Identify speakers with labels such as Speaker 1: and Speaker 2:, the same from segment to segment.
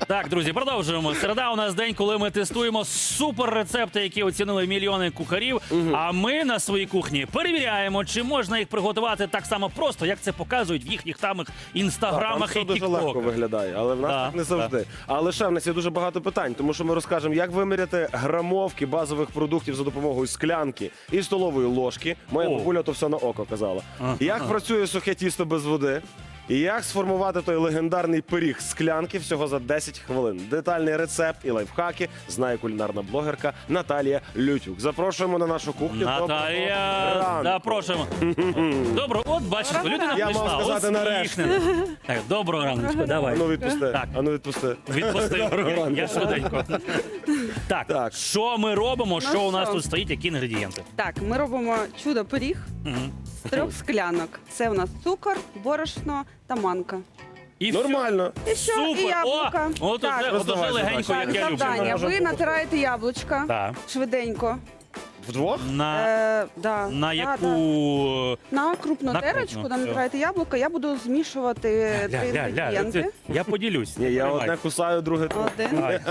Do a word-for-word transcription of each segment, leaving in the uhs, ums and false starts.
Speaker 1: Так, друзі, продовжуємо. Середа у нас день, коли ми тестуємо супер рецепти, які оцінили мільйони кухарів. Угу. А ми на своїй кухні перевіряємо, чи можна їх приготувати так само просто, як це показують в їхніх тамих інстаграмах
Speaker 2: так,
Speaker 1: і
Speaker 2: там все дуже легко
Speaker 1: тіктоках.
Speaker 2: виглядає, але в нас
Speaker 1: Да,
Speaker 2: так не завжди.
Speaker 1: да.
Speaker 2: Але ще в нас є дуже багато питань, тому що ми розкажемо, як виміряти грамовки базових продуктів за допомогою склянки і столової ложки. Моя
Speaker 1: О.
Speaker 2: бабуля то все на око казала.
Speaker 1: Ага.
Speaker 2: Як працює сухе тісто без води. І як сформувати той легендарний пиріг з склянки всього за десять хвилин. Детальний рецепт і лайфхаки знає кулінарна блогерка Наталія Лютюк. Запрошуємо на нашу кухню.
Speaker 1: Наталія, запрошуємо. Добро, от бачиш, людина
Speaker 2: Я
Speaker 1: прийшла.
Speaker 2: мав сказати нарешті.
Speaker 1: усміхнена. Так, доброго ранку, давай.
Speaker 2: Ану відпусти.
Speaker 1: Так.
Speaker 2: Ану відпусти.
Speaker 1: Відпустив.
Speaker 2: Доброго
Speaker 1: Я швиденько. Так,
Speaker 2: Так.
Speaker 1: що ми робимо, що у нас
Speaker 3: що?
Speaker 1: тут стоїть, які інгредієнти?
Speaker 3: Так, ми робимо чудо-пиріг
Speaker 1: Мгм.
Speaker 3: з трьох склянок. Це у нас цукор, борошно та манка.
Speaker 1: І
Speaker 2: Нормально.
Speaker 3: І що?
Speaker 1: Супер!
Speaker 3: І яблука.
Speaker 1: О, от
Speaker 3: Так.
Speaker 1: уже, от уже
Speaker 2: Роздавай
Speaker 1: легенько,
Speaker 2: задачі.
Speaker 1: як
Speaker 3: Так,
Speaker 1: я люблю.
Speaker 3: завдання.
Speaker 2: Можемо
Speaker 3: Ви
Speaker 2: попробувати.
Speaker 3: натираєте яблучка
Speaker 1: Так.
Speaker 3: швиденько.
Speaker 2: Вдвох?
Speaker 1: На,
Speaker 3: Е, да,
Speaker 1: на
Speaker 3: да,
Speaker 1: яку...
Speaker 3: да. На крупну
Speaker 1: На
Speaker 3: терочку
Speaker 1: крупну,
Speaker 3: там
Speaker 1: все.
Speaker 3: натираєте яблука. Я буду змішувати
Speaker 1: Ля,
Speaker 3: три
Speaker 1: ля, ля,
Speaker 3: інгредієнти.
Speaker 1: це- я поділюсь.
Speaker 2: Ні, я
Speaker 1: Тримай.
Speaker 2: одне кусаю, друге тут.
Speaker 3: Один.
Speaker 1: Давай.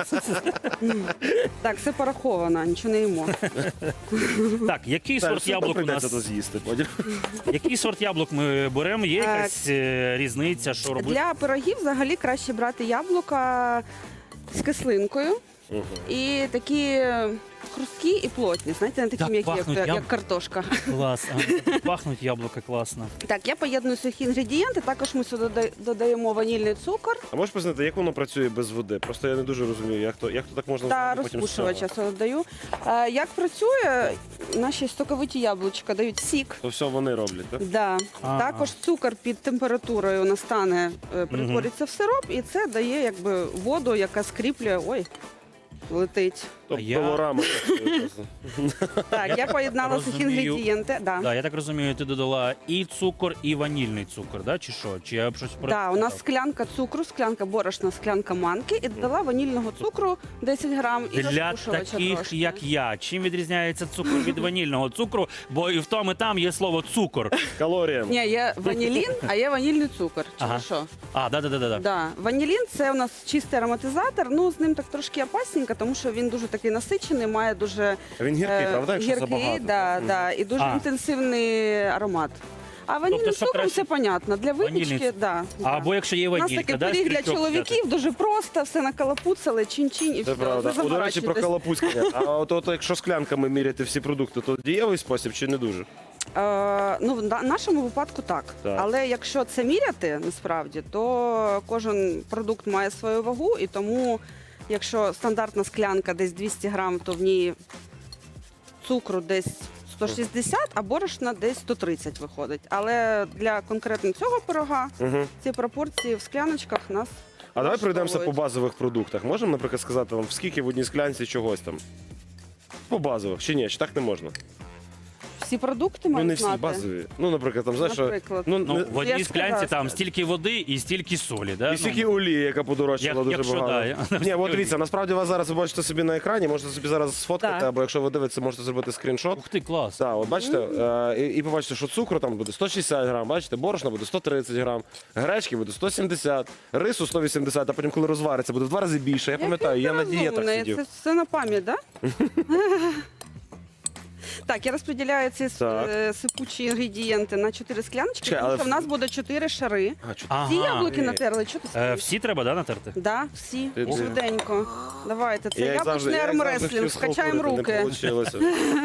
Speaker 3: Так, все пораховано, нічого не їмо.
Speaker 1: Так, який
Speaker 2: Та,
Speaker 1: сорт
Speaker 2: все
Speaker 1: яблук у
Speaker 2: прийдеться то
Speaker 1: нас?
Speaker 2: з'їсти потім.
Speaker 1: Який сорт яблук ми беремо? Є
Speaker 3: Так.
Speaker 1: якась е, різниця, що робити?
Speaker 3: Для пирогів взагалі краще брати яблука з кислинкою. І такі хрусткі і плотні, знаєте, не такі
Speaker 1: Так
Speaker 3: м'які, як,
Speaker 1: пахнуть яб-
Speaker 3: як картошка.
Speaker 1: Клас. А, пахнуть яблука класно.
Speaker 3: Так, я поєдную сухі інгредієнти, також ми сюди дода- додаємо ванільний цукор
Speaker 2: А можеш пояснити, як воно працює без води? Просто я не дуже розумію, як то, як то так можна
Speaker 3: та
Speaker 2: зробити потім з
Speaker 3: розпушувача
Speaker 2: цього?
Speaker 3: додаю. Е, Як працює, наші соковиті яблучка дають сік.
Speaker 2: То все вони роблять, так?
Speaker 3: Да.
Speaker 1: Ага.
Speaker 3: Також цукор під температурою настане, е, перетвориться в сироп, і це дає якби воду, яка скріплює. Ой, летить.
Speaker 2: Тобто
Speaker 1: я-
Speaker 2: пилорама працює просто.
Speaker 3: Так, я поєднала сухі
Speaker 1: розумію.
Speaker 3: інгредієнти. Да.
Speaker 1: Да, я так розумію, ти додала і цукор, і ванільний цукор, да? Чи що? Чи я б щось
Speaker 3: Да, у нас склянка цукру, склянка борошна, склянка манки і додала ванільного цукру десять грам і
Speaker 1: Для
Speaker 3: розпушувача
Speaker 1: таких,
Speaker 3: трошки.
Speaker 1: як я, чим відрізняється цукор від ванільного цукру? Бо і в тому, і там є слово цукор.
Speaker 2: Калоріям.
Speaker 3: Ні, є ванілін, а є ванільний цукор. Чи
Speaker 1: Ага.
Speaker 3: що?
Speaker 1: А, да, да, да, да.
Speaker 3: Да. Ванілін це у нас чистий ароматизатор. Ну з ним так трошки опасненько, тому що він дуже такий насичений, має дуже
Speaker 2: Він гіркий,
Speaker 3: е,
Speaker 2: правда, якщо
Speaker 3: гіркий,
Speaker 2: забагато?
Speaker 3: да, да, і дуже
Speaker 1: А.
Speaker 3: інтенсивний аромат. А ванільним
Speaker 1: Тобто, що
Speaker 3: цукром
Speaker 1: краще?
Speaker 3: це понятно. Для
Speaker 1: Ванільний
Speaker 3: випічки,
Speaker 1: цукор.
Speaker 3: да, да.
Speaker 1: Або якщо є
Speaker 3: У нас
Speaker 1: ванілька,
Speaker 3: такий
Speaker 1: да,
Speaker 3: пиріг для
Speaker 1: стрічок
Speaker 3: чоловіків дуже просто, все накалапуцали, чин-чин і
Speaker 2: Це
Speaker 3: все.
Speaker 2: правда.
Speaker 3: не
Speaker 2: О, до речі, про
Speaker 3: заморачуйтесь.
Speaker 2: калапуцькання. А от, от якщо склянками міряти всі продукти, то дієвий спосіб чи не дуже?
Speaker 3: Е, ну, в на- нашому випадку так.
Speaker 2: Так.
Speaker 3: Але якщо це міряти насправді, то кожен продукт має свою вагу, і тому, якщо стандартна склянка десь двісті грам, то в ній цукру десь сто шістдесят, а борошна десь сто тридцять виходить. Але для конкретно цього пирога
Speaker 2: Угу.
Speaker 3: ці пропорції в скляночках нас.
Speaker 2: А давай пройдемося по
Speaker 3: влаштовують.
Speaker 2: базових продуктах. Можемо, наприклад, сказати вам, скільки в одній склянці чогось там? По базових. Чи ні? Чи так не можна?
Speaker 3: Всі продукти
Speaker 2: Ну,
Speaker 3: мають
Speaker 2: не всі
Speaker 3: знати.
Speaker 2: базові. Ну, наприклад, там, знаєш, що...
Speaker 3: Наприклад.
Speaker 2: Ну,
Speaker 1: Ну,
Speaker 2: не-
Speaker 1: в одній
Speaker 3: я ж
Speaker 1: склянці
Speaker 3: сказала,
Speaker 1: там
Speaker 3: що-
Speaker 1: стільки води і стільки солі, да?
Speaker 2: І стільки
Speaker 1: Ну,
Speaker 2: олії, яка подорожчала
Speaker 1: Як-
Speaker 2: дуже
Speaker 1: якщо,
Speaker 2: багато.
Speaker 1: да, я-
Speaker 2: Ні, от дивіться, насправді вас зараз ви бачите собі на екрані, можете собі зараз сфоткати,
Speaker 3: Так.
Speaker 2: або якщо ви дивитеся, можете зробити скріншот.
Speaker 1: Ух ти, клас.
Speaker 2: Так, от бачите, е, і, і побачите, що цукру там буде сто шістдесят грам, бачите, борошна буде сто тридцять грам, гречки буде сто сімдесят, рису сто вісімдесят, а потім, коли розвариться, буде в два рази більше. Я пам'ятаю, я на дієтах
Speaker 3: Розумний.
Speaker 2: сидів.
Speaker 3: Це все на пам'ять, так? Да? Так, я розподіляю ці
Speaker 2: Так.
Speaker 3: е, сипучі інгредієнти на чотири скляночки,
Speaker 2: Чекай,
Speaker 3: тому
Speaker 2: але
Speaker 3: що в
Speaker 2: в-
Speaker 3: нас буде чотири шари.
Speaker 2: А, чу-
Speaker 1: Ага.
Speaker 3: Ці яблуки
Speaker 2: ні.
Speaker 3: натерли, що ти
Speaker 1: Е,
Speaker 3: стоїш?
Speaker 1: всі треба, да, натерти?
Speaker 3: Да, всі.
Speaker 2: Ти- ти-
Speaker 3: Швиденько. Давайте, це
Speaker 2: Я як завжди-
Speaker 3: яблучний
Speaker 2: я як завжди
Speaker 3: армреслінг,
Speaker 2: хотів
Speaker 3: скачаємо
Speaker 2: схалтурити,
Speaker 3: руки.
Speaker 2: Не вийшло.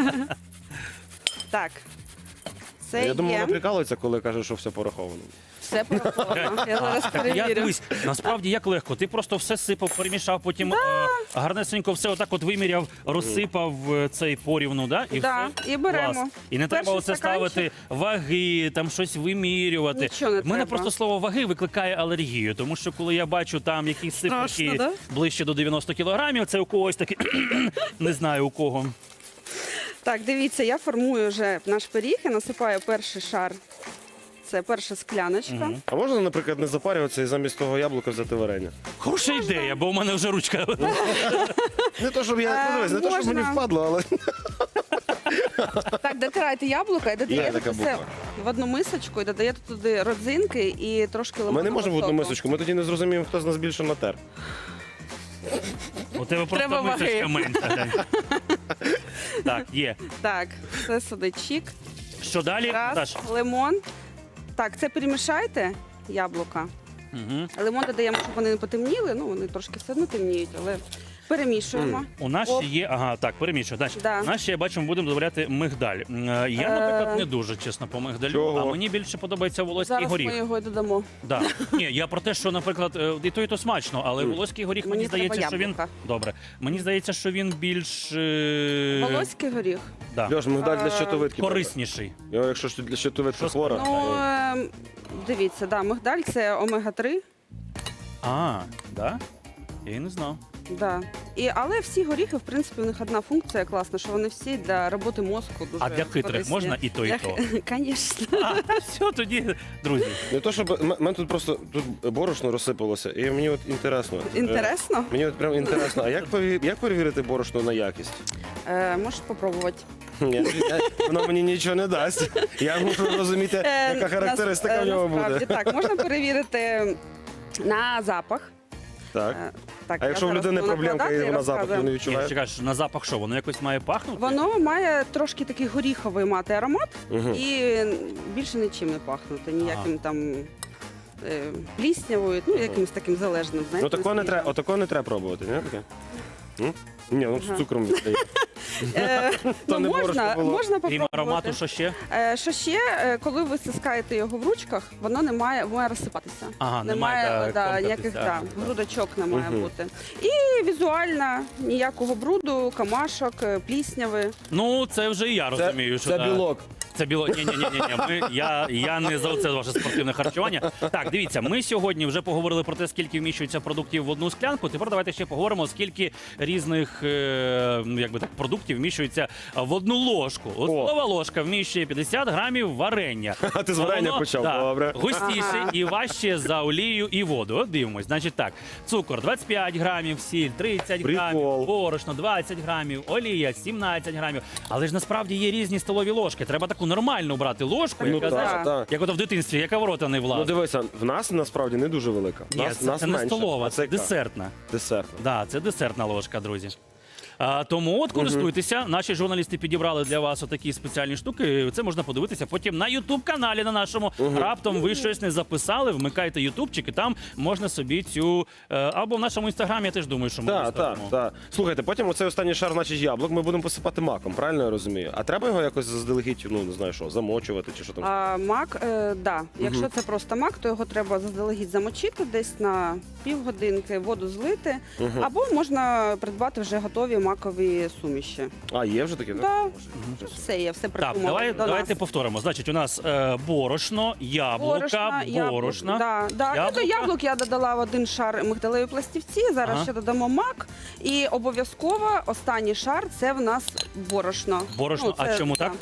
Speaker 3: Так. Це
Speaker 2: Я думаю,
Speaker 3: є.
Speaker 2: вона прикалується, коли каже, що все пораховано.
Speaker 3: Все пораховано. Я зараз
Speaker 1: Я
Speaker 3: перевірю.
Speaker 1: дивись, насправді як легко. Ти просто все сипав, перемішав, потім е, гарнесенько все отак от виміряв, розсипав е, цей порівну, да? І
Speaker 3: Да,
Speaker 1: все.
Speaker 3: і беремо.
Speaker 1: Клас. І не треба
Speaker 3: Перший
Speaker 1: оце
Speaker 3: стаканчик.
Speaker 1: ставити ваги, там щось вимірювати.
Speaker 3: Нічого не
Speaker 1: В мене
Speaker 3: треба.
Speaker 1: просто слово ваги викликає алергію, тому що коли я бачу там якісь циферки
Speaker 3: Страшно, да?
Speaker 1: ближче до дев'яноста кілограмів, це у когось таке, не знаю у кого.
Speaker 3: Так, дивіться, я формую вже наш пиріг і насипаю перший шар. Це перша скляночка.
Speaker 2: А можна, наприклад, не запарюватися і замість того яблука взяти варення?
Speaker 1: Хороша ідея, бо у мене вже ручка.
Speaker 2: Не то, щоб я
Speaker 3: Е,
Speaker 2: ну, дивись, не то, щоб мені
Speaker 3: можна.
Speaker 2: впадло, але
Speaker 3: Так, дотирайте яблука і додаєте
Speaker 2: така
Speaker 3: це все
Speaker 2: буква.
Speaker 3: в одну мисочку і додаєте туди родзинки і трошки
Speaker 2: ми
Speaker 3: лимонного
Speaker 2: не можемо в одну
Speaker 3: соку.
Speaker 2: мисочку. Ми тоді не зрозуміємо, хто з нас більше натер.
Speaker 1: У тебе просто
Speaker 3: Треба ваги.
Speaker 1: мисочка менша. глянь. Так, є.
Speaker 3: Так, це сюди чік.
Speaker 1: Що далі?
Speaker 3: Раз,
Speaker 1: Даш?
Speaker 3: лимон. Так, це перемішайте яблука.
Speaker 1: Угу.
Speaker 3: Лимон додаємо, щоб вони не потемніли. Ну, вони трошки все одно темніють, але перемішуємо.
Speaker 1: У нас
Speaker 3: Оп.
Speaker 1: ще є, ага, так, перемішую. Далі.
Speaker 3: Да.
Speaker 1: У нас ще, я бачу, ми будемо додавати мигдаль. М, е, Я, наприклад, не дуже, чесно, по мигдалю,
Speaker 2: Чого?
Speaker 1: а мені більше подобається волоський
Speaker 3: Зараз
Speaker 1: горіх.
Speaker 3: ми його й додамо.
Speaker 1: Да. Ні, я про те, що, наприклад, е, і то, і то смачно, але волоський горіх, мені,
Speaker 3: Мені
Speaker 1: здається,
Speaker 3: треба
Speaker 1: що він...
Speaker 3: яблука.
Speaker 1: Добре. Мені здається, що він більш... е,
Speaker 3: Волоський горіх.
Speaker 1: Да.
Speaker 2: Льош, мигдаль для
Speaker 3: Е,
Speaker 2: щитовидки.
Speaker 1: Корисніший.
Speaker 2: Його, якщо ж для щитовидки
Speaker 1: Що
Speaker 2: хвора.
Speaker 3: Ну, е, дивіться, да, мигдаль це омега три.
Speaker 1: А, да? Я і не знав.
Speaker 3: Да. І, але всі горіхи, в принципі, у них одна функція класна, що вони всі для роботи мозку дуже
Speaker 1: А для хитрих
Speaker 3: корисні.
Speaker 1: можна і то, і то?
Speaker 3: Звісно.
Speaker 1: А, все, тоді, друзі.
Speaker 2: Не то, щоб м- мене тут просто тут борошно розсипалося, і мені от інтересно. Е,
Speaker 3: Інтересно?
Speaker 2: Мені от прям інтересно, а як пові- як перевірити борошно на якість?
Speaker 3: Е, можеш спробувати.
Speaker 2: Ні, я- воно мені нічого не дасть. Я мушу розуміти,
Speaker 3: Е,
Speaker 2: яка характеристика
Speaker 3: нас-
Speaker 2: в нього
Speaker 3: е, насправді,
Speaker 2: буде.
Speaker 3: Так, можна перевірити на запах.
Speaker 2: Так.
Speaker 3: Е, так,
Speaker 2: А
Speaker 3: я
Speaker 2: якщо в
Speaker 3: зараз
Speaker 2: людини
Speaker 3: буду
Speaker 2: проблемка
Speaker 3: накладати
Speaker 2: і вона запах
Speaker 3: розказую.
Speaker 2: не
Speaker 1: Ні,
Speaker 2: відчуває?
Speaker 1: чекаєш, на запах що, воно якось має пахнути?
Speaker 3: Воно має трошки такий горіховий мати аромат
Speaker 2: Мгм.
Speaker 3: і більше нічим не пахнути, ніяким там е, пліснявою, ну якимось таким залежним. Знаєте,
Speaker 2: Ну такого не
Speaker 3: наскільки.
Speaker 2: треба, отакого не треба пробувати, ні? Таке? М? Ні, ну з
Speaker 3: Ага.
Speaker 2: цукром віддає.
Speaker 3: Е,
Speaker 2: То
Speaker 3: ну,
Speaker 2: не борошно
Speaker 3: можна,
Speaker 2: було.
Speaker 3: можна
Speaker 1: Крім
Speaker 3: попробувати.
Speaker 1: аромату, що ще?
Speaker 3: Е, Що ще, е, коли ви стискаєте його в ручках, воно не має, має розсипатися.
Speaker 1: Ага,
Speaker 3: немає
Speaker 1: немає, да,
Speaker 3: да,
Speaker 1: комкатися.
Speaker 3: ніяких да,
Speaker 1: Ага.
Speaker 3: грудочок не має
Speaker 2: Мгм.
Speaker 3: бути. І візуально ніякого бруду, камашок, е, плісняви.
Speaker 1: Ну, це вже і я розумію, що
Speaker 2: Це
Speaker 1: да.
Speaker 2: білок.
Speaker 1: Це біло. Ні, ні, ні, ні, ні. Ми я, я не за це ваше спортивне харчування. Так, дивіться, ми сьогодні вже поговорили про те, скільки вміщується продуктів в одну склянку. Тепер давайте ще поговоримо, скільки різних е, ну, якби так продуктів вміщується в одну ложку. От
Speaker 2: О.
Speaker 1: столова ложка вміщує п'ятдесят грамів варення.
Speaker 2: А ти з варення
Speaker 1: Воно,
Speaker 2: почав,
Speaker 1: да,
Speaker 2: добре.
Speaker 1: густіше
Speaker 3: Ага.
Speaker 1: і важче за олію і воду. От дивимось. Значить так, цукор двадцять п'ять грамів, сіль тридцять грамів,
Speaker 2: Прикол.
Speaker 1: борошно двадцять грамів, олія сімнадцять грамів. Але ж насправді є різні столові ложки. Треба таку нормальну брати ложку,
Speaker 2: Ну
Speaker 1: яка,
Speaker 2: так,
Speaker 1: знаєш,
Speaker 2: так.
Speaker 1: як ото в дитинстві, яка в рота не
Speaker 2: Ну
Speaker 1: влазить.
Speaker 2: дивися, в нас насправді не дуже велика.
Speaker 1: Ні,
Speaker 2: Нас,
Speaker 1: це,
Speaker 2: нас
Speaker 1: це не
Speaker 2: менше.
Speaker 1: столова,
Speaker 2: А
Speaker 1: це
Speaker 2: яка?
Speaker 1: десертна.
Speaker 2: Десертна.
Speaker 1: Да, це десертна ложка, друзі. А, тому от користуйтеся. Наші журналісти підібрали для вас отакі спеціальні штуки. Це можна подивитися потім на ютуб-каналі на нашому. Раптом ви щось не записали, вмикайте ютубчик, і там можна собі цю. е, Або в нашому інстаграмі, я теж думаю, що ми
Speaker 2: Так, так,
Speaker 1: виставимо.
Speaker 2: так. Слухайте, потім оцей останній шар, значить, яблук, ми будемо посипати маком, правильно я розумію? А треба його якось заздалегідь, ну не знаю що, замочувати чи що там.
Speaker 3: А мак, е, да. Якщо це просто мак, то його треба заздалегідь замочити десь на півгодинки, воду злити, або можна придбати вже готові макові суміші.
Speaker 2: А, є вже таке?
Speaker 3: Да.
Speaker 2: Боже.
Speaker 3: Все є, все
Speaker 1: Так,
Speaker 3: придумали
Speaker 1: давай,
Speaker 3: до
Speaker 1: давайте
Speaker 3: нас.
Speaker 1: повторимо. Значить, у нас е, борошно, яблука,
Speaker 3: Борошна,
Speaker 1: борошна.
Speaker 3: яблук, да, да.
Speaker 1: яблука.
Speaker 3: І до яблук я додала в один шар мигдалеві пластівці, зараз
Speaker 1: Ага.
Speaker 3: ще додамо мак. І обов'язково останній шар це в нас борошно.
Speaker 1: Борошно, а чому так?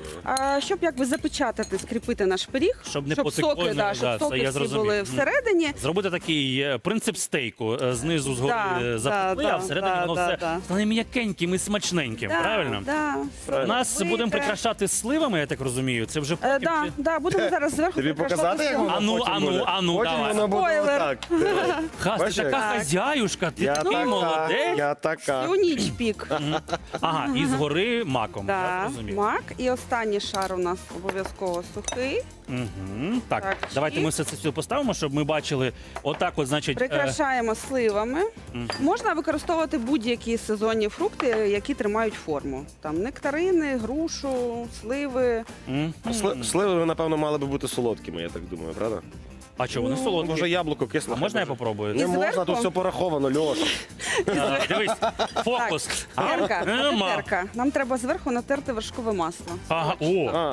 Speaker 3: А, щоб якби запечатати, скріпити наш пиріг,
Speaker 1: Щоб не потекло,
Speaker 3: соки,
Speaker 1: не-
Speaker 3: да,
Speaker 1: да,
Speaker 3: щоб
Speaker 1: це
Speaker 3: соки
Speaker 1: я
Speaker 3: всі
Speaker 1: зрозумів.
Speaker 3: були
Speaker 1: Мгм.
Speaker 3: всередині.
Speaker 1: Зробити такий е, принцип стейку. е, Знизу згори
Speaker 3: Да,
Speaker 1: е, запекли,
Speaker 3: да,
Speaker 1: а всередині
Speaker 3: да,
Speaker 1: воно
Speaker 3: да,
Speaker 1: все
Speaker 3: да.
Speaker 1: стане м'якеньким і смачненьким.
Speaker 3: Да,
Speaker 1: Правильно?
Speaker 3: Да,
Speaker 1: У нас
Speaker 3: Зробити.
Speaker 1: будемо прикрашати сливами, я так розумію. Це вже
Speaker 3: Е,
Speaker 1: потім.
Speaker 3: да,
Speaker 1: чи-
Speaker 3: да, будемо зараз зверху
Speaker 2: Тобі
Speaker 3: прикрашати
Speaker 2: показати, як
Speaker 3: всього.
Speaker 2: воно
Speaker 1: Ану,
Speaker 2: потім
Speaker 1: ану,
Speaker 2: буде?
Speaker 1: ану,
Speaker 2: Потім
Speaker 1: давай.
Speaker 2: воно буде
Speaker 3: Спойлер.
Speaker 2: отак.
Speaker 1: Ха, ти
Speaker 2: Бачиш,
Speaker 1: така
Speaker 2: як?
Speaker 1: хазяюшка, ти
Speaker 2: Я
Speaker 1: такий
Speaker 2: така,
Speaker 1: молодець.
Speaker 2: я така.
Speaker 3: Всю ніч пік.
Speaker 1: Ага, і згори маком. Я
Speaker 3: Да,
Speaker 1: зрозумів.
Speaker 3: мак. І останній шар у нас обов'язково сухий.
Speaker 1: Угу. Так,
Speaker 3: Так,
Speaker 1: давайте
Speaker 3: і-
Speaker 1: ми все це сюди поставимо, щоб ми бачили. Отак, от, значить. е,
Speaker 3: Прикрашаємо сливами. Можна використовувати будь-які сезонні фрукти, які тримають форму. Там нектарини, грушу, сливи.
Speaker 1: мгм.
Speaker 2: Сли- Сливи, напевно, мали би бути солодкими, я так думаю, правда?
Speaker 1: А що, вони
Speaker 3: Ну,
Speaker 1: солодкі?
Speaker 2: Може, яблуко кисло.
Speaker 1: А можна я попробую?
Speaker 2: Не
Speaker 3: І
Speaker 2: можна,
Speaker 3: зверху?
Speaker 2: тут все пораховано, Льош.
Speaker 1: А, Дивись, фокус. А,
Speaker 3: Терка,
Speaker 1: нема.
Speaker 3: терка. Нам треба зверху натерти вершкове масло.
Speaker 1: Ага, о,
Speaker 2: А,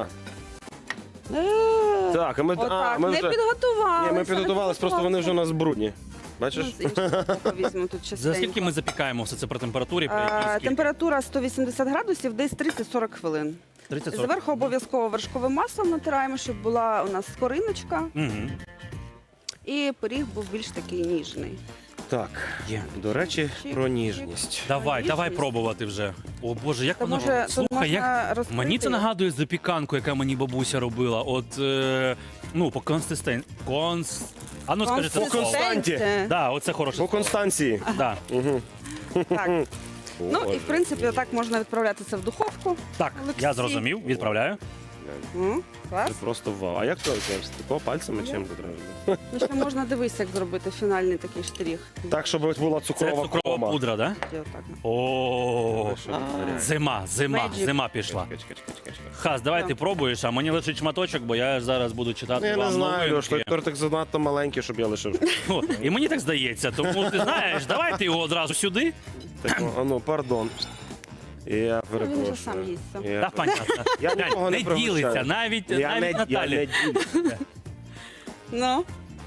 Speaker 3: Е,
Speaker 2: так, а ми, а,
Speaker 3: Отак,
Speaker 2: ми
Speaker 3: не
Speaker 2: вже...
Speaker 3: підготувалися.
Speaker 2: Ні, ми підготувалися, просто вони вже у нас брудні. Бачиш?
Speaker 3: Ну, з іншого боку візьмемо тут
Speaker 1: за
Speaker 3: частенько.
Speaker 1: скільки ми запікаємо все це при температурі? При
Speaker 3: А,
Speaker 1: якій скільки?
Speaker 3: температура сто вісімдесят градусів, десь тридцять-сорок хвилин.
Speaker 1: тридцять сорок.
Speaker 3: Зверху обов'язково вершковим маслом натираємо, щоб була у нас скориночка
Speaker 1: Мгм.
Speaker 3: і пиріг був більш такий ніжний.
Speaker 2: Так,
Speaker 1: Є.
Speaker 2: до речі,
Speaker 3: Чик,
Speaker 2: про
Speaker 3: чик.
Speaker 2: ніжність.
Speaker 1: Давай,
Speaker 3: Ніжність.
Speaker 1: давай пробувати вже. О Боже, як
Speaker 3: Та
Speaker 1: воно.
Speaker 3: може тут
Speaker 1: Слухай,
Speaker 3: можна
Speaker 1: як
Speaker 3: розкрити
Speaker 1: мені це
Speaker 3: його?
Speaker 1: нагадує запіканку, яка мені бабуся робила. От е... ну, по консистен... конс... А ну скажи це
Speaker 2: По
Speaker 1: слово.
Speaker 2: константі.
Speaker 1: Да, оце хороше
Speaker 2: По
Speaker 1: слово.
Speaker 2: Констанції.
Speaker 1: Да.
Speaker 3: Так. Ну і
Speaker 2: Боже.
Speaker 3: в принципі, отак можна відправляти це в духовку.
Speaker 1: Так,
Speaker 3: Олексій.
Speaker 1: я зрозумів, відправляю.
Speaker 3: М,
Speaker 2: Це
Speaker 3: Клас.
Speaker 2: просто вау. А як це ось тако пальцами чим треба?
Speaker 3: Ну, ще можна дивитися, як зробити фінальний такий штрих.
Speaker 2: Так, щоб була
Speaker 1: Це
Speaker 2: цукрова
Speaker 1: цукрова
Speaker 2: кома.
Speaker 1: пудра, да?
Speaker 3: І отак.
Speaker 1: О, зима, зима,
Speaker 3: Magic.
Speaker 1: зима пішла.
Speaker 2: Чекай, чекай, чекай, чекай.
Speaker 1: Хас, давай
Speaker 3: Да.
Speaker 1: ти пробуєш, а мені лишить шматочок, бо я зараз буду читати
Speaker 2: Ну, я
Speaker 1: вам
Speaker 2: не знаю, Льош, той
Speaker 1: новинки.
Speaker 2: тортик занадто маленький, щоб я лишив.
Speaker 1: О, і мені так здається, тому ти знаєш, давай ти його одразу сюди.
Speaker 2: Так, а ну, пардон. Я
Speaker 3: Ну,
Speaker 2: перепрошую.
Speaker 3: він же сам їсться.
Speaker 2: Я
Speaker 1: Так, понятно.
Speaker 2: Я
Speaker 1: Глянь,
Speaker 2: нікого не
Speaker 1: не
Speaker 2: пригощаю.
Speaker 1: ділиться, навіть,
Speaker 2: Я
Speaker 1: навіть
Speaker 2: не, я
Speaker 1: Наталі.
Speaker 2: не ділюся.
Speaker 3: Ну,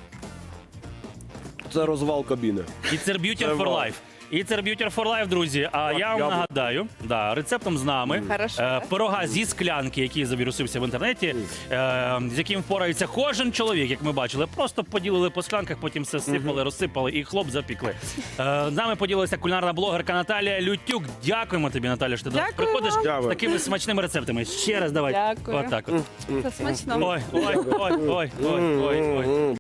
Speaker 2: Це розвал кабіни.
Speaker 1: It's a beauty
Speaker 2: Це
Speaker 1: for
Speaker 2: вау.
Speaker 1: life. It's a beauty for life, друзі. А
Speaker 2: Так,
Speaker 1: я вам
Speaker 2: я б-
Speaker 1: нагадаю, да, рецептом з нами
Speaker 3: Хорошо.
Speaker 1: е, пирога зі склянки, який завірусився в інтернеті, е, з яким впорається кожен чоловік, як ми бачили. Просто поділили по склянках, потім все сипали, розсипали і хлоп запікли. Е, з нами поділилася кулінарна блогерка Наталія Лютюк. Дякуємо тобі, Наталя, що ти до нас
Speaker 3: Дякую
Speaker 1: приходиш
Speaker 3: вам.
Speaker 1: з
Speaker 2: Дякую.
Speaker 1: такими смачними рецептами. Ще раз давай.
Speaker 3: Дякую.
Speaker 1: Отак от.
Speaker 3: це смачно.
Speaker 1: Ой, ой, ой, ой, ой, ой, ой.
Speaker 2: М-м-м.